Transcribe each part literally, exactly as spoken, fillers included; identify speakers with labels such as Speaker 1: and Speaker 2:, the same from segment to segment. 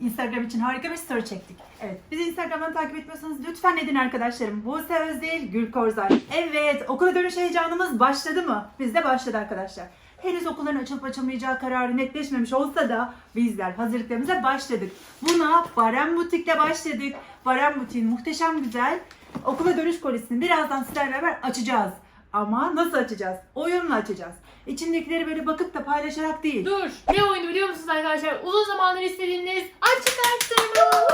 Speaker 1: Instagram için harika bir story çektik. Evet, bizi Instagram'dan takip etmiyorsanız lütfen edin arkadaşlarım. Buse Özdil, Gül Korzay. Evet, okula dönüş heyecanımız başladı mı? Bizde başladı arkadaşlar. Henüz okulların açılıp açılmayacağı kararı netleşmemiş olsa da bizler hazırlıklarımıza başladık. Buna Barem Butik'le başladık. Barem Butik'in muhteşem güzel okula dönüş kolisini birazdan sizlerle beraber açacağız. Ama nasıl açacağız? Oyunla açacağız. İçindekileri böyle bakıp da paylaşarak değil.
Speaker 2: Dur. Ne oyunu biliyor musunuz arkadaşlar? Uzun zamandır istediğiniz açık arttırma.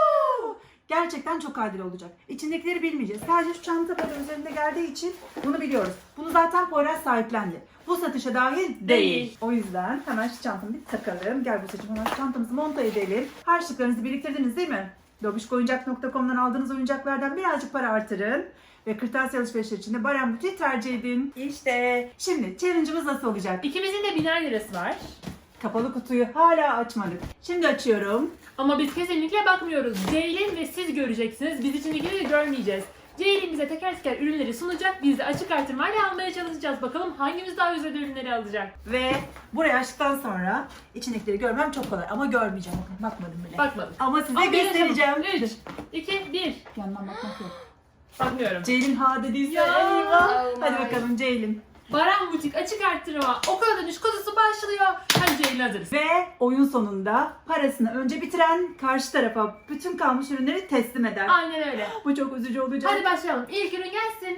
Speaker 1: Gerçekten çok adil olacak. İçindekileri bilmeyeceğiz. Sadece şu çanta böyle üzerinde geldiği için bunu biliyoruz. Bunu zaten Poyraz sahiplendi. Bu satışa dahil değil.
Speaker 2: Değil.
Speaker 1: O yüzden hemen şu çantamı bir takalım. Gel bu seçim hemen şu çantamızı monta edelim. Harçlıklarınızı biriktirdiniz değil mi? Dobişkoyuncak nokta com'dan aldığınız oyuncaklardan birazcık para artırın. Ve kırtasiye alışverişleri için de Barem Butik'i tercih edin. İşte şimdi challenge'ımız nasıl olacak?
Speaker 2: İkimizin de biner lirası var.
Speaker 1: Kapalı kutuyu hala açmadık. Şimdi açıyorum.
Speaker 2: Ama biz kesinlikle bakmıyoruz. Ceylin ve siz göreceksiniz. Biz içindekileri görmeyeceğiz. Ceylin bize teker teker ürünleri sunacak. Biz de açık artırmayla almaya çalışacağız. Bakalım hangimiz daha güzel ürünleri alacak.
Speaker 1: Ve burayı açtıktan sonra içindekileri görmem çok kolay ama görmeyeceğim. Bakın bakmadım bile.
Speaker 2: Bakmadım.
Speaker 1: Ama size
Speaker 2: Ama
Speaker 1: göstereceğim.
Speaker 2: üç, iki, bir.
Speaker 1: Yandan bakmak yok.
Speaker 2: Bakmıyorum.
Speaker 1: Ceylin ha dediyse
Speaker 2: Ya.
Speaker 1: eyvah.
Speaker 3: Oh
Speaker 1: Hadi
Speaker 3: my.
Speaker 1: bakalım Ceylin.
Speaker 2: Barem Butik açık arttırma. Okula dönüş kutusu başlıyor. Hadi Ceylin hazırız.
Speaker 1: Ve oyun sonunda parasını önce bitiren karşı tarafa bütün kalmış ürünleri teslim eder.
Speaker 2: Aynen öyle.
Speaker 1: Bu çok üzücü olacak.
Speaker 2: Hadi başlayalım. İlk ürün gelsin.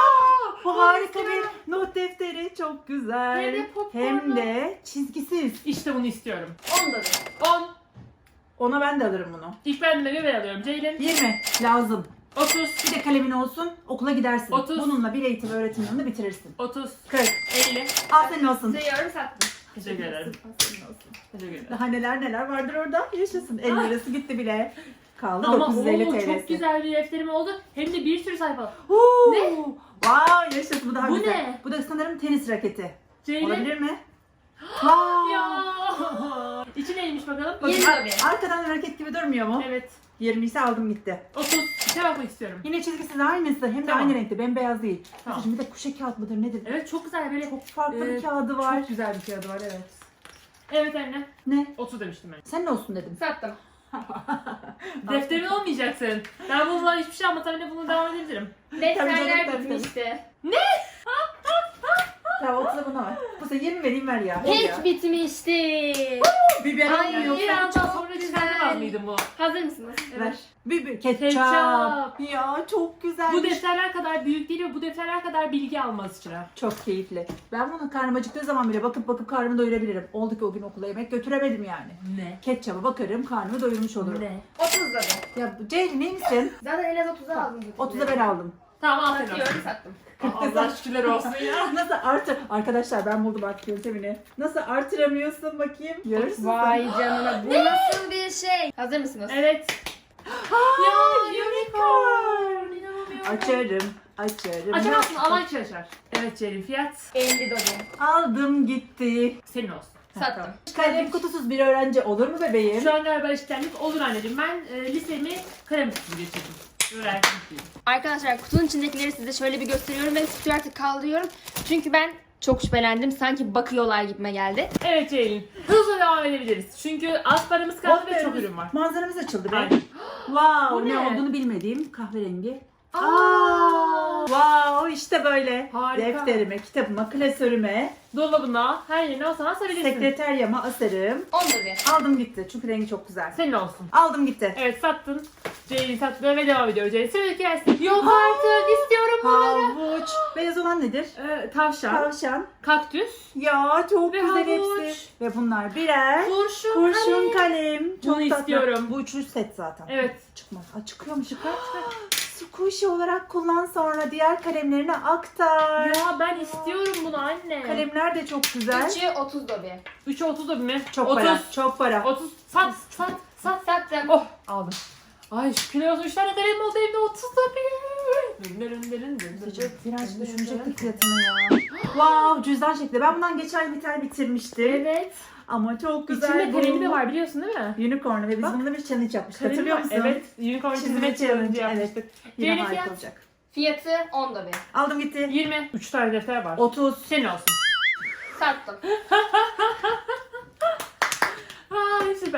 Speaker 1: Bu harika bir not defteri. Çok güzel.
Speaker 2: Hem de popcornlu.
Speaker 1: Hem de çizgisiz.
Speaker 2: İşte bunu istiyorum.
Speaker 3: on da bir.
Speaker 2: on.
Speaker 1: Ona ben de alırım bunu.
Speaker 2: İlk ben de ben alıyorum. Ceylin.
Speaker 1: yirmi lazım.
Speaker 2: otuz.
Speaker 1: Bir de kalemin olsun, okula gidersin.
Speaker 2: otuz.
Speaker 1: Bununla bir eğitim öğretim yılını bitirirsin.
Speaker 2: otuz.
Speaker 1: kırk.
Speaker 2: elli.
Speaker 1: Al senin olsun.
Speaker 3: Sayıyorum sattım.
Speaker 2: Teşekkür ederim.
Speaker 1: Al senin olsun.
Speaker 2: Teşekkür ederim.
Speaker 1: Daha neler neler vardır orada. Yaşasın. elli lirası gitti bile. Kaldı
Speaker 2: Ama
Speaker 1: dokuz yüz elli
Speaker 2: oo,
Speaker 1: T L'si.
Speaker 2: çok güzel bir defterim oldu. Hem de bir sürü sayfa.
Speaker 1: Huu.
Speaker 2: Ne?
Speaker 1: Wow, yaşasın. Bu daha
Speaker 2: Bu
Speaker 1: güzel.
Speaker 2: ne?
Speaker 1: Bu da sanırım tenis raketi.
Speaker 2: Ceylin.
Speaker 1: Olabilir mi? Wow.
Speaker 2: Ya. İçi neymiş bakalım?
Speaker 1: Bakın,
Speaker 3: Yirmi
Speaker 1: ar-
Speaker 3: tabii.
Speaker 1: arkadan raket gibi durmuyor mu?
Speaker 2: Evet.
Speaker 1: yirmi ise aldım gitti.
Speaker 2: otuz. İçe bakmak istiyorum.
Speaker 1: Yine çizgisi de aynısı. Hem de
Speaker 2: Tamam.
Speaker 1: aynı renkte. Bembeyaz değil.
Speaker 2: Tamam.
Speaker 1: Şimdi bir de kuşe kağıt mıdır nedir?
Speaker 2: Evet çok güzel böyle.
Speaker 1: Çok farklı
Speaker 2: Ee,
Speaker 1: bir kağıdı var.
Speaker 2: Çok güzel bir kağıdı var evet. Evet anne.
Speaker 1: Ne?
Speaker 2: otuz demiştim ben.
Speaker 1: Sen ne olsun dedim.
Speaker 3: Sattım.
Speaker 2: Defterin olmayacaksın. Ben bununla hiçbir şey anlatamayınca bunu devam edebilirim.
Speaker 3: Defterler
Speaker 1: tabii, tabii.
Speaker 3: bitmişti.
Speaker 1: Tamam otuza buna var. Bu sefer yirmi vereyim ver ya. Ver ya.
Speaker 3: Hiç bitmişti.
Speaker 1: Biber
Speaker 3: Ay,
Speaker 1: almıyor.
Speaker 2: Bir andan
Speaker 3: çok
Speaker 2: sonra
Speaker 3: güzel.
Speaker 2: çıkartamaz mıydım bu?
Speaker 3: Hazır mısınız?
Speaker 1: Ver. Biber. Ketçap.
Speaker 2: Ketçap.
Speaker 1: Ya çok güzel.
Speaker 2: Bu defterler kadar büyük değil ve bu defterler kadar bilgi almaz içine.
Speaker 1: Çok keyifli. Ben bunu karnım acıktığı zaman bile bakıp bakıp karnımı doyurabilirim. Oldu ki o gün okula yemek götüremedim yani.
Speaker 2: Ne?
Speaker 1: Ketçaba bakarım karnımı doyurmuş olurum.
Speaker 2: Ne?
Speaker 3: otuz da bir.
Speaker 1: Ya bu Ceylin iyi misin?
Speaker 3: Zaten en az otuza aldım.
Speaker 1: otuza ben aldım.
Speaker 2: Tamam aferin.
Speaker 3: Satıyorum sattım.
Speaker 2: Allah şükürler olsun ya.
Speaker 1: Nasıl artır? Arkadaşlar ben buldum artık yöntemini. Nasıl artıramıyorsun bakayım? Görürsün
Speaker 3: Vay canına bu nasıl bir şey? Hazır mısınız?
Speaker 2: Evet.
Speaker 1: Ya
Speaker 2: unicorn. İnanamıyorum.
Speaker 1: Açarım, açarım.
Speaker 2: Açamazsın alan kişi açar. Evet Ceylin fiyat
Speaker 3: elli dolar.
Speaker 1: Aldım gitti.
Speaker 2: senin olsun.
Speaker 3: Sattım.
Speaker 1: Kalem kutusuz bir öğrenci olur mu bebeğim?
Speaker 2: Şu an galiba eşitlendik olur anneciğim. Ben e, lisemi kalem kutusu geçirdim. Öğrenciyim.
Speaker 3: Arkadaşlar kutunun içindekileri size şöyle bir gösteriyorum ve kutuyu artık kaldırıyorum. Çünkü ben çok şüphelendim. Sanki bakıyorlar gibime geldi.
Speaker 2: Evet Ceylin. Hızla devam edebiliriz. Çünkü az paramız kaldı ve çok ürün var.
Speaker 1: Manzaramız açıldı be.
Speaker 2: Aynen.
Speaker 1: Wow,
Speaker 2: Bu
Speaker 1: ne?
Speaker 2: ne?
Speaker 1: olduğunu bilmediğim kahverengi.
Speaker 2: Aa!
Speaker 1: Aa, wow, işte böyle.
Speaker 2: Harika.
Speaker 1: Defterime, kitabıma, klasörüme,
Speaker 2: Dolabına her yerine o sana asabilirsin.
Speaker 1: sekreteryama asarım.
Speaker 3: on da bir.
Speaker 1: Aldım gitti çünkü rengi çok güzel.
Speaker 2: Senin olsun.
Speaker 1: Aldım gitti.
Speaker 2: Evet sattın. Ceylin sattı ve devam ediyor Ceylin. Sıradaki gelsin. Yok artık istiyorum bunları.
Speaker 1: Havuç. Beyaz olan nedir?
Speaker 2: Ee, tavşan,
Speaker 1: Tavşan.
Speaker 2: kaktüs,
Speaker 1: Ya çok
Speaker 2: Ve
Speaker 1: güzel
Speaker 2: havuç.
Speaker 1: hepsi. Ve bunlar birer.
Speaker 2: kurşun,
Speaker 1: Kurşun
Speaker 2: kalem.
Speaker 1: kalem. Çok
Speaker 2: Bunu
Speaker 1: tatlı.
Speaker 2: istiyorum.
Speaker 1: Bu üçlü set zaten.
Speaker 2: Evet.
Speaker 1: Çıkmaz. Aa, çıkıyor mu? Çıkar çıkar. Squishy olarak kullan sonra diğer kalemlerine aktar.
Speaker 2: Ya ben istiyorum bunu anne.
Speaker 1: Kalemler de çok güzel.
Speaker 3: üçü otuz da bir.
Speaker 2: üçe otuz da bir mi?
Speaker 1: Çok
Speaker 2: otuz.
Speaker 1: para. Çok para.
Speaker 2: otuz. Sat, sat, sat.
Speaker 3: Sattım.
Speaker 2: Oh aldım. Ay şükürler olsun. üç tane kalem oldu evde otuz da bir.
Speaker 1: Biraz düşünecektik fiyatını ya. Wow, cüzdan şekli. Ben bundan geçen bir tane bitirmiştim.
Speaker 2: Evet.
Speaker 1: Ama çok güzel.
Speaker 2: İçinde kalemi de var biliyorsun değil mi?
Speaker 1: Unicorn ve biz
Speaker 2: Bak.
Speaker 1: bununla bir challenge yapmıştık.
Speaker 2: Kalemi
Speaker 1: Hatırlıyor
Speaker 2: var.
Speaker 1: musun?
Speaker 2: Evet. Unicorn çizme challenge yapmıştık.
Speaker 1: Yine
Speaker 2: Yeni
Speaker 1: harika
Speaker 2: fiyat.
Speaker 1: olacak.
Speaker 3: Fiyatı on da bir.
Speaker 1: Aldım gitti.
Speaker 2: yirmi. üç tane defter var.
Speaker 1: otuz.
Speaker 2: Senin olsun.
Speaker 3: Sattım.
Speaker 2: Ay süper.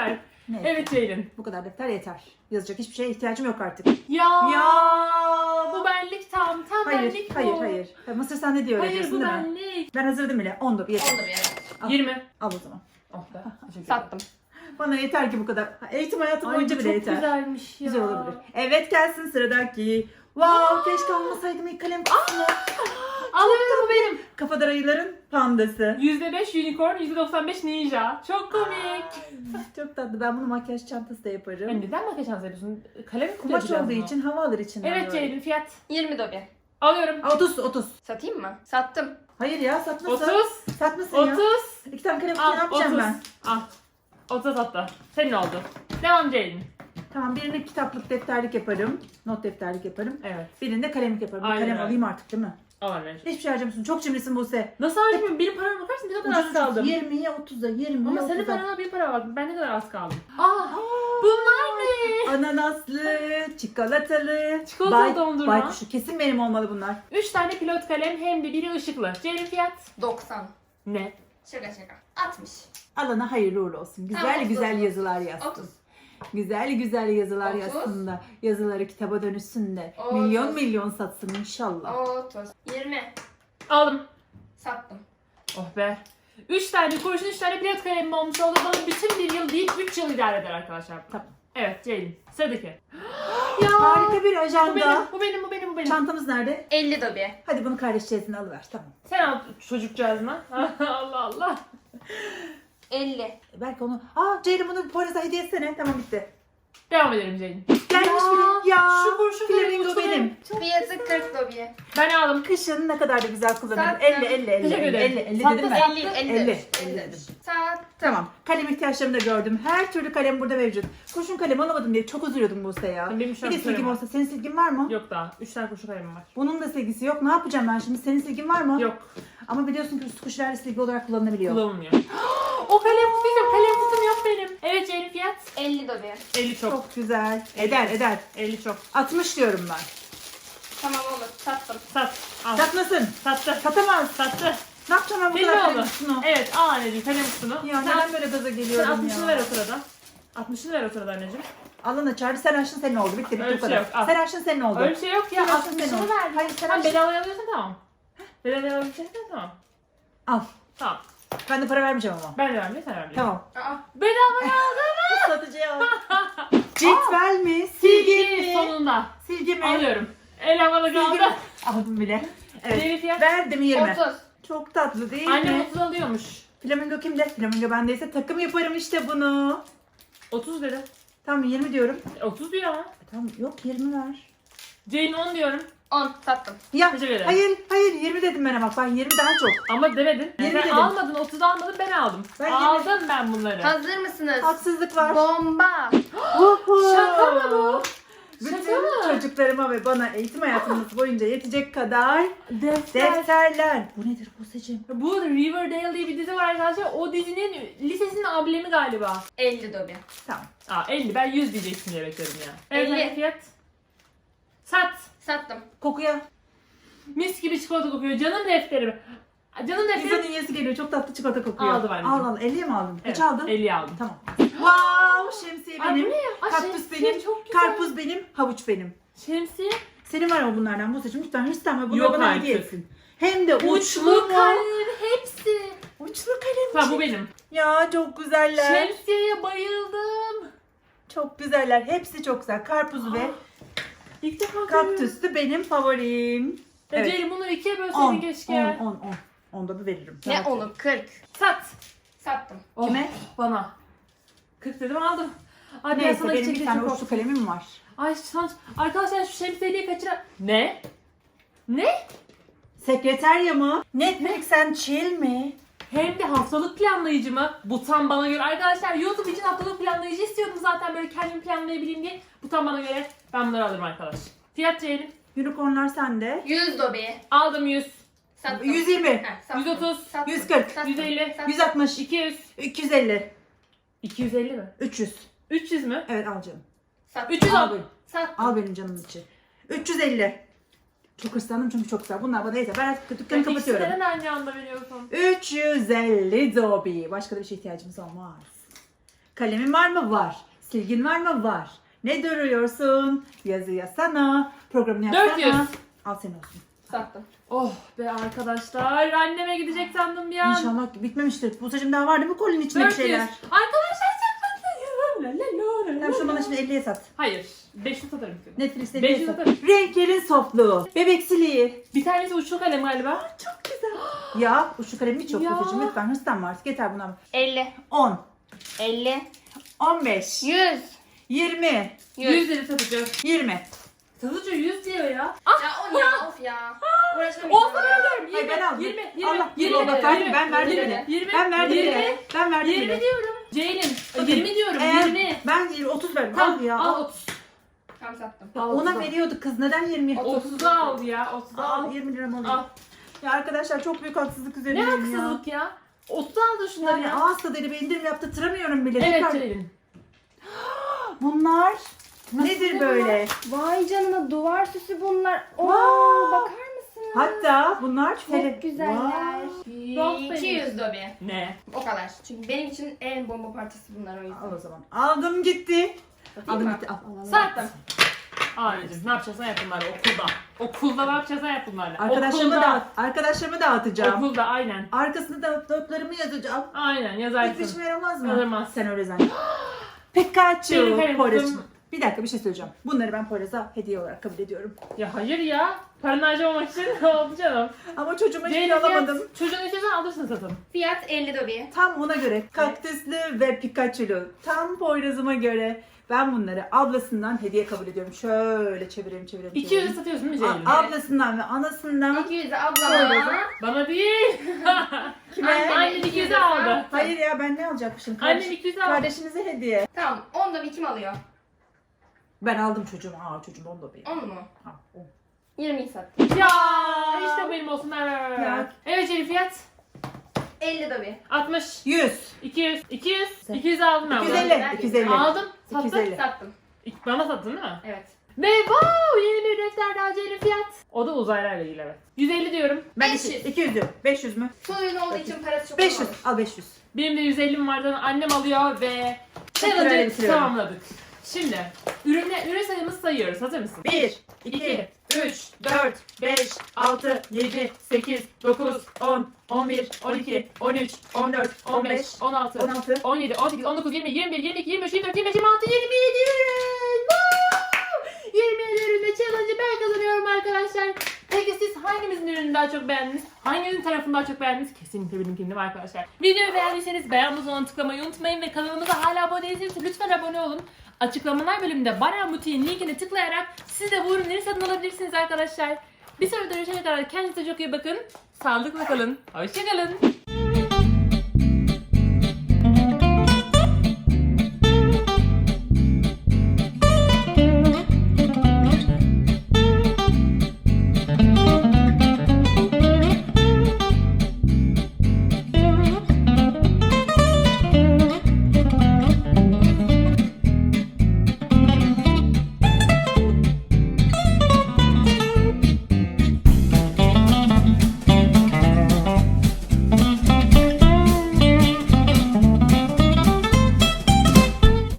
Speaker 1: Ne?
Speaker 2: Evet Ceylin.
Speaker 1: Bu kadar defter yeter. Yazacak hiçbir şeye ihtiyacım yok artık.
Speaker 2: Ya,
Speaker 1: Ya.
Speaker 2: bu benlik tam. Tam
Speaker 1: Hayır,
Speaker 2: benlik bu.
Speaker 1: hayır, hayır. Ha, Mısır sen ne diyor
Speaker 2: Hayır
Speaker 1: öğretiyorsun
Speaker 2: bu
Speaker 1: değil mi?
Speaker 2: benlik.
Speaker 1: Ben hazırladım bile. on da bir yeter.
Speaker 3: Onda bir evet.
Speaker 1: Al.
Speaker 2: yirmi.
Speaker 1: Al o zaman.
Speaker 2: Oh be. Teşekkür ederim.
Speaker 3: Sattım.
Speaker 1: Bana yeter ki bu kadar. Eğitim hayatım
Speaker 2: Ay bu
Speaker 1: boyunca
Speaker 2: çok
Speaker 1: bile yeter.
Speaker 2: güzelmiş ya.
Speaker 1: Güzel olabilir. Evet gelsin sıradaki. Wow, keşke almasaydım ilk kalem kutusunu.
Speaker 2: Alıyorum bu benim.
Speaker 1: Kafadar ayıların pandası.
Speaker 2: yüzde beş unicorn, yüzde doksan beş ninja. Çok komik.
Speaker 1: Çok tatlı. Ben bunu makyaj çantası da yaparım.
Speaker 2: Yani neden makyaj şansı yapıyorsun? Kalem kutu
Speaker 1: Kumaş
Speaker 2: yapacağız
Speaker 1: olduğu
Speaker 2: bunu.
Speaker 1: için hava alır içinden.
Speaker 2: Evet
Speaker 1: böyle.
Speaker 2: Ceylin fiyat.
Speaker 3: yirmi dobi.
Speaker 2: Alıyorum.
Speaker 1: Aa, otuz, otuz.
Speaker 3: Satayım mı? Sattım.
Speaker 1: Hayır ya satmasın.
Speaker 2: otuz.
Speaker 1: Satmasın ya.
Speaker 2: otuz.
Speaker 1: İki tane kalem kutu ne
Speaker 2: Al
Speaker 1: yapacağım
Speaker 2: otuz.
Speaker 1: ben?
Speaker 2: Al. otuz hatta. Senin oldu. Devam Ceylin.
Speaker 1: Tamam birinde kitaplık defterlik yaparım. Not defterlik yaparım.
Speaker 2: Evet.
Speaker 1: Birinde kalemlik yaparım. Bir
Speaker 2: Aynen
Speaker 1: kalem
Speaker 2: öyle.
Speaker 1: alayım artık değil mi?
Speaker 2: Al anneciğim.
Speaker 1: Hiçbir şey harcamışsın. Çok cimrisin Buse.
Speaker 2: Nasıl harcamıyorum? Benim parama bakarsın ne kadar az kaldım.
Speaker 1: yirmiye otuza, yirmiye
Speaker 2: Ama senin
Speaker 1: otuza.
Speaker 2: parana bir para var. Ben ne kadar az kaldım. Aa, bunlar ne?
Speaker 1: Ananaslı, çikolatalı.
Speaker 2: Çikolatalı dondurma.
Speaker 1: Baykuşu. Kesin benim olmalı bunlar.
Speaker 2: üç tane pilot kalem hem de biri ışıklı. Ceylin fiyat.
Speaker 3: doksan.
Speaker 2: Ne?
Speaker 3: Şaka şaka. altmış.
Speaker 1: Alana hayırlı uğurlu olsun. Güzel
Speaker 3: Tamam,
Speaker 1: güzel
Speaker 3: otuz.
Speaker 1: yazılar yazsın.
Speaker 3: otuz.
Speaker 1: Güzel güzel yazılar
Speaker 3: otuz.
Speaker 1: yazsın da. Yazıları kitaba dönüşsün de.
Speaker 3: otuz.
Speaker 1: Milyon milyon satsın inşallah.
Speaker 3: otuz. yirmi.
Speaker 2: Aldım.
Speaker 3: Sattım.
Speaker 2: Oh be. üç tane kurşun, üç tane pilot kalemim olmuş oldu. Bana bütün bir yıl değil, üç yıl idare eder arkadaşlar.
Speaker 1: Tamam.
Speaker 2: Evet Ceylin. Sıradaki. Ya.
Speaker 1: Harika bir
Speaker 2: Bu benim,
Speaker 1: ajanda.
Speaker 2: bu benim, bu benim, bu benim.
Speaker 1: Çantamız nerede?
Speaker 3: elli dobi.
Speaker 1: Hadi bunu kardeşçesine alıver. Tamam.
Speaker 2: Sen al çocukcağızına. Allah Allah.
Speaker 3: elli.
Speaker 1: Belki onu... Aa Ceylin bunu Poyraz'a hediye etsene. Tamam bitti.
Speaker 2: Devam edelim Ceylin.
Speaker 1: Gelmiş
Speaker 2: Ya,
Speaker 1: bile. Ya.
Speaker 2: şu kurşun
Speaker 1: Flamingo
Speaker 2: kalemi
Speaker 1: benim.
Speaker 3: Fiyatı kırk dobi.
Speaker 2: Ben aldım.
Speaker 1: Kışın ne kadar da güzel kullanırım.
Speaker 3: Sattım.
Speaker 1: elli, elli, elli,
Speaker 2: Teşekkür
Speaker 1: elli,
Speaker 2: ederim.
Speaker 1: elli, elli
Speaker 2: Sattım,
Speaker 1: dedim ben.
Speaker 3: elli. elli.
Speaker 1: elli,
Speaker 3: elli.
Speaker 1: elli dedim.
Speaker 3: Sattım.
Speaker 1: Tamam. Kalem ihtiyaçlarımı da gördüm. Her türlü kalem burada mevcut. Kurşun kalem alamadım diye çok üzülüyordum Buse ya.
Speaker 2: Benim şu
Speaker 1: Bir
Speaker 2: an
Speaker 1: de silgim
Speaker 2: kalem var.
Speaker 1: olsa. Senin silgin var mı?
Speaker 2: Yok daha. üç tane kurşun kalemim var.
Speaker 1: Bunun da silgisi yok. Ne yapacağım ben şimdi? Senin silgin var mı?
Speaker 2: Yok.
Speaker 1: Ama biliyorsun ki üst kuşlarla silgi olarak kullanılabiliyor.
Speaker 2: Kullanılmıyor. O kalem kutuydum. Kalem kutum yok benim. Evet Ceylin fiyat.
Speaker 3: elli dobi.
Speaker 2: elli çok.
Speaker 1: Çok güzel. Eder eder.
Speaker 2: elli çok.
Speaker 1: altmış diyorum ben.
Speaker 3: Tamam olur. Sattım.
Speaker 2: Sat. Al.
Speaker 1: Satmasın.
Speaker 2: Sattı.
Speaker 1: Satamaz.
Speaker 2: Sattı.
Speaker 1: Ne yapacağım ben bu
Speaker 2: Senin
Speaker 1: kadar
Speaker 2: oldu.
Speaker 1: kalem kutusunu?
Speaker 2: Evet al anneciğim kalem kutunu.
Speaker 1: Ya
Speaker 2: Sen,
Speaker 1: neden böyle gaza
Speaker 2: sen
Speaker 1: geliyorum
Speaker 2: altmışını
Speaker 1: ya?
Speaker 2: ver o sırada. altmışını ver o sırada anneciğim.
Speaker 1: Alın açar. Sen açtın senin oldu. Bitti bitti
Speaker 2: Öyle
Speaker 1: bu
Speaker 2: bir şey
Speaker 1: kadar.
Speaker 2: yok, al.
Speaker 1: Sen açtın senin oldu.
Speaker 2: Öyle bir şey yok ya.
Speaker 1: Sen açtın senin
Speaker 2: altmışını
Speaker 1: oldu.
Speaker 2: ver.
Speaker 1: Hayır sen
Speaker 2: Sen
Speaker 1: açtın.
Speaker 2: bedavaya alıyorsan tamam. Bedavaya alıyorsan tamam.
Speaker 1: Al.
Speaker 2: Tamam.
Speaker 1: Ben de para vermeyeceğim ama.
Speaker 2: Ben de vermeyeyim sen vermeyeyim.
Speaker 1: Tamam.
Speaker 3: Aa.
Speaker 2: Bedavaya aldım.
Speaker 1: Satıcıya al. Cetvel mi? Silgi
Speaker 2: Silgi
Speaker 1: mi?
Speaker 2: sonunda.
Speaker 1: Silgi mi?
Speaker 2: Alıyorum. El havada
Speaker 1: Silgi mi?
Speaker 2: kaldı.
Speaker 1: Aldım bile. Evet.
Speaker 2: Ceylin fiyat.
Speaker 1: Verdim yirmi.
Speaker 3: otuz.
Speaker 1: Çok tatlı değil
Speaker 2: Annem
Speaker 1: mi?
Speaker 2: otuz alıyormuş.
Speaker 1: Flamingo kimde? Flamingo bendeyse takım yaparım işte bunu.
Speaker 2: otuz dedi.
Speaker 1: Tamam yirmi diyorum.
Speaker 2: E, otuz diyor ama.
Speaker 1: E, tamam yok yirmi ver.
Speaker 2: Ceylin on diyorum.
Speaker 3: on. Sattım.
Speaker 1: Ya
Speaker 2: Teşekkür ederim.
Speaker 1: hayır hayır yirmi dedim ben ama. Ben yirmi daha çok.
Speaker 2: Ama demedin.
Speaker 1: Yirmi
Speaker 2: Sen
Speaker 1: dedim.
Speaker 2: almadın, otuz almadın, ben aldım.
Speaker 1: Ben
Speaker 2: aldım ben bunları.
Speaker 3: Hazır mısınız?
Speaker 1: Haksızlık var.
Speaker 3: Bomba.
Speaker 1: Uhu.
Speaker 2: Şaka mı bu?
Speaker 1: Bütün
Speaker 2: Şaka mı?
Speaker 1: çocuklarıma ve bana eğitim hayatımız boyunca yetecek kadar
Speaker 2: Defter.
Speaker 1: defterler. Bu nedir Buse'cim?
Speaker 2: Bu Riverdale diye bir dizi var arkadaşlar. O dizinin lisesinin ablemi galiba.
Speaker 3: elli dobi.
Speaker 1: Tamam.
Speaker 2: Aa elli. Ben yüz diyeceksin diye bekledim ya. Evet,
Speaker 3: elli.
Speaker 2: hani fiyat. Sat.
Speaker 3: Sattım.
Speaker 1: Kokuya.
Speaker 2: Mis gibi çikolata kokuyor. Canım defterim. Canım
Speaker 1: Pizzanın
Speaker 2: defterim.
Speaker 1: yiyesi geliyor. Çok tatlı çikolata kokuyor.
Speaker 2: Aldım anneciğim.
Speaker 1: Al al. elliye mi aldın?
Speaker 2: Evet,
Speaker 1: Kaç aldın?
Speaker 2: elli aldım.
Speaker 1: Tamam. Wow, şemsiye
Speaker 2: Ay, bu
Speaker 1: benim.
Speaker 2: ne ya? Ay,
Speaker 1: Kaktüs
Speaker 2: şemsiye
Speaker 1: benim.
Speaker 2: çok güzel.
Speaker 1: Karpuz benim. Havuç benim.
Speaker 2: Şemsiye.
Speaker 1: Senin var mı bunlardan Buse'cim? Lütfen hırslanma. Bunları
Speaker 2: Yok
Speaker 1: bana
Speaker 2: artık.
Speaker 1: hediye etsin. Hem de uçlu,
Speaker 2: Uçlu
Speaker 1: mu?
Speaker 2: kalem hepsi.
Speaker 1: Uçlu kalem.
Speaker 2: Tamam bu benim.
Speaker 1: Ya çok güzeller.
Speaker 2: Şemsiyeye bayıldım.
Speaker 1: Çok güzeller. Hepsi çok güzel. Karpuzu ve
Speaker 2: İlk defa görüyorum.
Speaker 1: kaktüsü benim favorim.
Speaker 2: Ya
Speaker 1: Evet.
Speaker 2: Ceylin bunu ikiye
Speaker 1: on,
Speaker 2: bölseydin keşke.
Speaker 1: on, on, on. Onda da veririm.
Speaker 3: Ne
Speaker 1: Evet.
Speaker 3: onu? kırk.
Speaker 2: Sat.
Speaker 3: Sattım.
Speaker 2: Oh,
Speaker 1: Kime?
Speaker 2: Bana. kırk dedim aldım. Ay ben
Speaker 1: Neyse
Speaker 2: sana
Speaker 1: benim bir
Speaker 2: içecek
Speaker 1: tane
Speaker 2: çok
Speaker 1: uçlu kalemim var.
Speaker 2: Ay şans. Arkadaşlar şu şemsiyeyi kaçıran... Ne? Ne?
Speaker 1: Sekreterya mı? Netflix and chill mi?
Speaker 2: Hem de haftalık planlayıcı mı? Bu tam bana göre. Arkadaşlar YouTube için haftalık planlayıcı istiyordum zaten böyle kendimi planlayabileyim diye. Bu tam bana göre. Ben bunları alırım arkadaş. Fiyat Ceylin.
Speaker 1: Unicornlar sende.
Speaker 3: yüz dobi.
Speaker 2: Aldım yüz.
Speaker 3: Sattım.
Speaker 1: yüz yirmi.
Speaker 3: Heh, sattım.
Speaker 2: yüz otuz,
Speaker 3: Sattım.
Speaker 1: yüz kırk,
Speaker 3: Sattım.
Speaker 2: yüz elli,
Speaker 3: Sattım.
Speaker 1: yüz altmış.
Speaker 2: iki yüz.
Speaker 1: iki yüz elli.
Speaker 2: iki yüz elli mi?
Speaker 1: üç yüz.
Speaker 2: üç yüz mü?
Speaker 1: Evet al canım.
Speaker 3: Sattım.
Speaker 2: üç yüz
Speaker 1: Al,
Speaker 2: al.
Speaker 1: benim.
Speaker 3: Sattım.
Speaker 1: al benim canımın içi. üç yüz elli. Çok hırslandım çünkü çok güzel. Bunlar bana yeter. Ben artık dükkanı kapatıyorum.
Speaker 2: İkisini neden aynı anda veriyorsun?
Speaker 1: üç yüz elli dobi. Başka da bir şey ihtiyacımız olmaz. Kalemin var mı? Var. Silgin var mı? Var. Ne duruyorsun? Yazı yazsana. Programını yapsana.
Speaker 2: dört yüz.
Speaker 1: Al senin olsun.
Speaker 3: Sattım.
Speaker 2: Oh be arkadaşlar. Anneme gidecek sandım ya.
Speaker 1: İnşallah bitmemiştir. Buzacığım daha var değil mi kolinin içinde bir
Speaker 2: dört yüz.
Speaker 1: şeyler?
Speaker 2: Arkadaşlar saklanmayın. La la la la
Speaker 1: Sen şunu bana
Speaker 2: la.
Speaker 1: şimdi elliye sat.
Speaker 2: Hayır. beş yüz satarım.
Speaker 1: Netflix'te
Speaker 2: beş
Speaker 1: elliye
Speaker 2: yüz
Speaker 1: sat.
Speaker 2: atarım.
Speaker 1: Renklerin softluğu. Bebeksiliği.
Speaker 2: Bir tanesi uçlu kalem galiba.
Speaker 1: Çok güzel. Ya uçlu kalemi çok
Speaker 2: Ya.
Speaker 1: Buzacığım. Lütfen hırslanma artık. Yeter buna.
Speaker 3: elli.
Speaker 1: on.
Speaker 3: elli.
Speaker 1: on beş.
Speaker 3: yüz.
Speaker 1: yirmi.
Speaker 3: yüz.
Speaker 2: yüz lira satıcı.
Speaker 1: yirmi.
Speaker 2: Satıcı yüz diyor ya.
Speaker 3: Ya on ya of ya. Uğraşamayacağım.
Speaker 2: Olsa ben öderim.
Speaker 1: Hayır, ben aldım.
Speaker 2: yirmi, yirmi,
Speaker 1: Allah,
Speaker 2: yirmi,
Speaker 1: Allah, bak, verdim,
Speaker 2: yirmi,
Speaker 1: ben verdim
Speaker 2: yirmi,
Speaker 1: bile.
Speaker 2: yirmi,
Speaker 1: Ben verdim
Speaker 2: yirmi,
Speaker 1: bile. Ben verdim
Speaker 2: yirmi
Speaker 1: bile.
Speaker 2: diyorum. Ceylin.
Speaker 1: Bakın,
Speaker 2: yirmi diyorum.
Speaker 1: Eğer
Speaker 2: yirmi.
Speaker 1: ben otuz verdim.
Speaker 2: Tamam
Speaker 1: Al ya.
Speaker 2: al
Speaker 1: Al.
Speaker 2: otuz.
Speaker 3: Tamam sattım.
Speaker 2: Al
Speaker 1: Ona
Speaker 2: otuza.
Speaker 1: veriyordu kız. Neden yirmi?
Speaker 2: otuza al ya. otuza
Speaker 1: Al
Speaker 2: al.
Speaker 1: yirmi liram
Speaker 2: Al.
Speaker 1: alayım. Ya arkadaşlar çok büyük haksızlık
Speaker 2: Ne
Speaker 1: üzerindeyim ya.
Speaker 2: haksızlık ya. otuza al da şunları
Speaker 1: Yani
Speaker 2: ya.
Speaker 1: ağız tadıyla bir indirim yaptırtamıyorum bile.
Speaker 2: Evet
Speaker 1: Tekrar-
Speaker 2: Ceylin.
Speaker 1: Bunlar nedir böyle?
Speaker 3: Vay canına duvar süsü bunlar. Oo
Speaker 1: Vay.
Speaker 3: bakar mısınız?
Speaker 1: Hatta bunlar
Speaker 3: Çok güzeller.
Speaker 2: Çok
Speaker 3: iki yüz dobi.
Speaker 2: Ne?
Speaker 3: O kadar. Çünkü benim için en bomba partisi bunlar o yüzden.
Speaker 1: Al o zaman. Aldım gitti.
Speaker 3: Satayım
Speaker 1: Aldım
Speaker 3: mı?
Speaker 1: gitti. Al, al, al.
Speaker 2: Sattım. Anneciğim ne yapacaksan yap bunlarla okulda. Okulda ne yapacaksan yap bunlarla.
Speaker 1: Arkadaşlarımı
Speaker 2: Okulda.
Speaker 1: dağıt. Arkadaşlarımı dağıtacağım.
Speaker 2: Okulda aynen.
Speaker 1: Arkasında da notlarımı yazacağım.
Speaker 2: Aynen
Speaker 1: Hiçbir
Speaker 2: yazarsın.
Speaker 1: işime yaramaz mı?
Speaker 2: Yaramaz.
Speaker 1: Sen öyle zannet. Pikachu.
Speaker 2: Benim
Speaker 1: Poyraz.
Speaker 2: kızım-
Speaker 1: Bir dakika bir şey söyleyeceğim. Bunları ben Poyraz'a hediye olarak kabul ediyorum.
Speaker 2: Ya hayır ya. Paranı harcamamak için ne oldu canım?
Speaker 1: Ama çocuğuma hiçbir
Speaker 2: Ceylin
Speaker 1: şey alamadım.
Speaker 2: fiyat, çocuğun istiyorsan alırsın satın.
Speaker 3: Fiyat elli dobi.
Speaker 1: Tam ona göre kaktüslü ve Pikachu'lu. Tam Poyraz'ıma göre. Ben bunları ablasından hediye kabul ediyorum. Şöyle çevireyim çevireyim.
Speaker 2: iki yüze
Speaker 1: çevireyim.
Speaker 2: satıyorsun değil mi Ceylin?
Speaker 1: A- ablasından ve anasından.
Speaker 3: iki yüzü
Speaker 1: Poyraz'a.
Speaker 3: ablama.
Speaker 2: Bana değil.
Speaker 1: Kime?
Speaker 3: Anne.
Speaker 2: Annen iki yüze aldı.
Speaker 1: Hayır ya ben ne alacakmışım?
Speaker 2: Annen
Speaker 1: Kardeş,
Speaker 2: iki yüze aldı.
Speaker 1: kardeşinize hediye.
Speaker 3: Tamam on dobi kim alıyor?
Speaker 1: Ben aldım çocuğum. Aa çocuğum onu da benim.
Speaker 3: on mu?
Speaker 1: Ha, on.
Speaker 3: yirmiyi sattım.
Speaker 2: Ya işte benim olsun. Ver, ver, ver, ver.
Speaker 1: Ya.
Speaker 2: Evet Ceylin fiyat.
Speaker 3: elli dobi.
Speaker 2: altmış.
Speaker 1: yüz.
Speaker 2: iki yüz. iki yüz. iki yüz aldım ben.
Speaker 1: iki yüz
Speaker 2: bunu.
Speaker 1: elli. iki yüz elli.
Speaker 2: Aldım. Sattım.
Speaker 1: iki yüz elli.
Speaker 3: Sattım.
Speaker 2: İlk bana sattın değil mi?
Speaker 3: Evet.
Speaker 2: Ve wow yeni bir defter daha Ceylin fiyat. O da uzaylarla ilgili evet. yüz elli diyorum.
Speaker 1: Ben
Speaker 3: beş yüz.
Speaker 1: iki- iki yüz diyorum. beş yüz mü?
Speaker 3: Son ürün olduğu için parası çok
Speaker 1: beş yüz.
Speaker 3: olmadı.
Speaker 1: Al beş yüz.
Speaker 2: Benim de yüz ellim vardı. Annem alıyor ve
Speaker 1: Tekrar
Speaker 2: challenge'ı
Speaker 1: bitiriyorum.
Speaker 2: tamamladık. Şimdi ürünle, ürün sayımızı sayıyoruz. Hazır mısın?
Speaker 1: bir, iki, üç, dört, beş, altı, yedi, sekiz, dokuz, on, on bir, on iki, on üç, on dört, on beş,
Speaker 2: on altı,
Speaker 1: on altı.
Speaker 2: on yedi, on sekiz, on dokuz, yirmi, yirmi bir, yirmi iki, yirmi üç, yirmi dört, yirmi beş, yirmi altı, yirmi yedi ürün. Woo! yirmi yedi ürünle challenge'ı ben kazanıyorum arkadaşlar. Peki siz hangimizin ürününü daha çok beğendiniz? Hangimizin tarafını daha çok beğendiniz? Kesinlikle benimkini değil mi arkadaşlar? Videoyu beğendiyseniz beğen butonuna tıklamayı unutmayın ve kanalımıza hala abone değilseniz lütfen abone olun. Açıklamalar bölümünde Bara Muti'nin linkine tıklayarak siz de bu ürünleri satın alabilirsiniz arkadaşlar. Bir sonraki görüşene kadar kendinize çok iyi bakın. Sağlıkla kalın. Hoşçakalın.